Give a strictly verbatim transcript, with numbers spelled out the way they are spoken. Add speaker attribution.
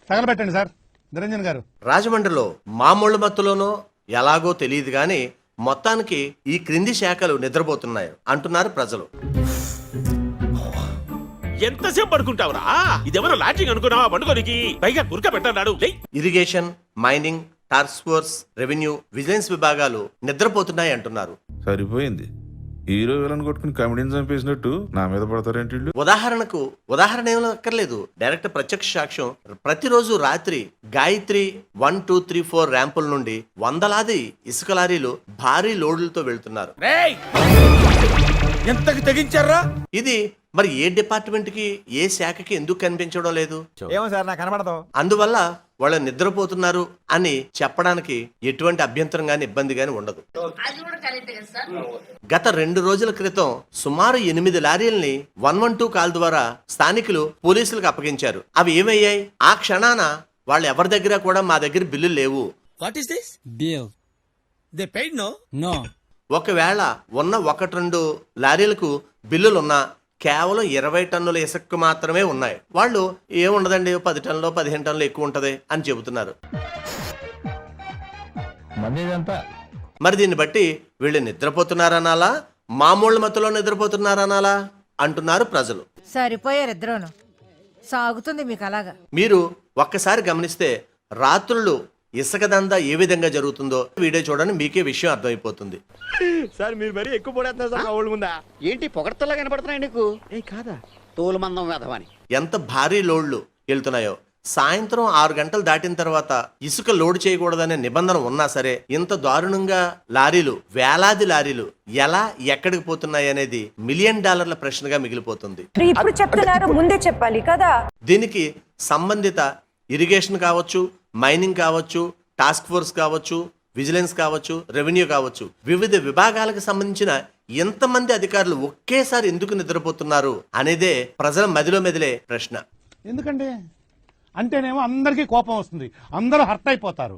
Speaker 1: తగలబెట్టండి sir Niranjan గారు.
Speaker 2: రాజమండ్రిలో మామూలు మత్తులోనో ఎలాగో తెలియదు గాని మొత్తానికి ఈ క్రింది శాఖలు నిద్రపోతున్నాయి అంటున్నారు ప్రజలు.
Speaker 3: ఎంతసేపు పడుకుంటావురా? ఇదేమన్నా లాడ్జింగ్ అనుకున్నావా? పండుగనికి పైగా గురక పెట్టన్నాడు.
Speaker 2: Irrigation, mining, task force, revenue, vigilance విభాగాలు నిద్రపోతున్నాయి అంటున్నారు.
Speaker 4: సరిపోయింది. హీరో విలన్ కొట్టుకుని కమెడీని చంపేసినట్టు నా మీద పడతారేంటి వీళ్ళు?
Speaker 2: ఉదాహరణకు ఉదాహరణ ఏమీ అక్కర్లేదు, డైరెక్ట్ ప్రత్యక్ష సాక్ష్యం. ప్రతిరోజు రాత్రి Gayatri one two three four ర్యాంపుల నుండి వందలాది ఇసుక లారీలు భారీ లోడ్లతో వెళ్తున్నారు.
Speaker 3: ఎంతకి తెగించారా?
Speaker 2: ఇది మరి ఏ డిపార్ట్మెంట్ కి, ఏ శాఖకి ఎందుకు కనిపించడం లేదు?
Speaker 5: ఏమో సార్, నాకు కనబడదు.
Speaker 2: అందువల్ల వాళ్ళు నిద్రపోతున్నారు అని చెప్పడానికి ఎటువంటి అభ్యంతరం గాని ఇబ్బంది గాని ఉండదు. గత రెండు రోజుల క్రితం సుమారు ఎనిమిది లారీల్ని వన్ వన్ టూ కాల్ ద్వారా స్థానికులు పోలీసులకు అప్పగించారు. అవి ఏమయ్యాయి? ఆ క్షణాన వాళ్ళు ఎవరి దగ్గర కూడా మా దగ్గర బిల్లు లేవు.
Speaker 6: What is this? Bill. They paid no? No.
Speaker 2: ఒకవేళ ఉన్న ఒకటి రెండు లారీలకు బిల్లులున్నా కేవలం ఇరవై టన్నుల ఇసుక మాత్రమే ఉన్నాయి. వాళ్ళు ఏముండదండి, పది టన్నులు పదిహేను టన్నులు ఎక్కువ ఉంటది అని చెబుతున్నారు. మరి దీన్ని బట్టి వీళ్ళు నిద్రపోతున్నారనాలా, మామూలు మత్తులో నిద్రపోతున్నారనాలా అంటున్నారు ప్రజలు.
Speaker 7: సరిపోయారు ఇద్దరును. సాగుతుంది మీకు అలాగా.
Speaker 2: మీరు ఒక్కసారి గమనిస్తే రాత్రులు ఇసుక దందా ఏ విధంగా జరుగుతుందో వీడియో చూడండి, మీకే విషయం అర్థమైపోతుంది.
Speaker 5: సార్ మీరు మరీ ఎక్కువ పడేస్తున్నారు సార్. ఒళ్ళు ముందా ఏంటి పొగడతలా కనపడుతున్నాయి నీకు? ఏ కాదా, తోలు మందం వేధమని.
Speaker 2: ఎంత భారీ లోడ్లు వెళ్తున్నాయో. సాయంత్రం ఆరు గంటలు దాటిన తర్వాత ఇసుక లోడ్ చేయకూడదనే నిబంధన ఉన్నా సరే ఇంత దారుణంగా లారీలు, వేలాది లారీలు ఎలా ఎక్కడికి పోతున్నాయి అనేది మిలియన్ డాలర్ల ప్రశ్నగా మిగిలిపోతుంది.
Speaker 8: ఇప్పుడు చెప్తున్నారు, ముందే చెప్పాలి కదా.
Speaker 2: దీనికి సంబంధిత ఇరిగేషన్ కావచ్చు, మైనింగ్ కావచ్చు, టాస్క్ ఫోర్స్ కావచ్చు, విజిలెన్స్ కావచ్చు, రెవెన్యూ కావచ్చు, వివిధ విభాగాలకు సంబంధించిన ఎంతమంది అధికారులు ఒకేసారి ఎందుకు నిద్రపోతున్నారు అనేదే ప్రజల మదిలో మెదిలే ప్రశ్న.
Speaker 1: ఎందుకండి అంటేనేమో అందరికీ కోపం వస్తుంది, అందరూ హర్ట్ అయిపోతారు.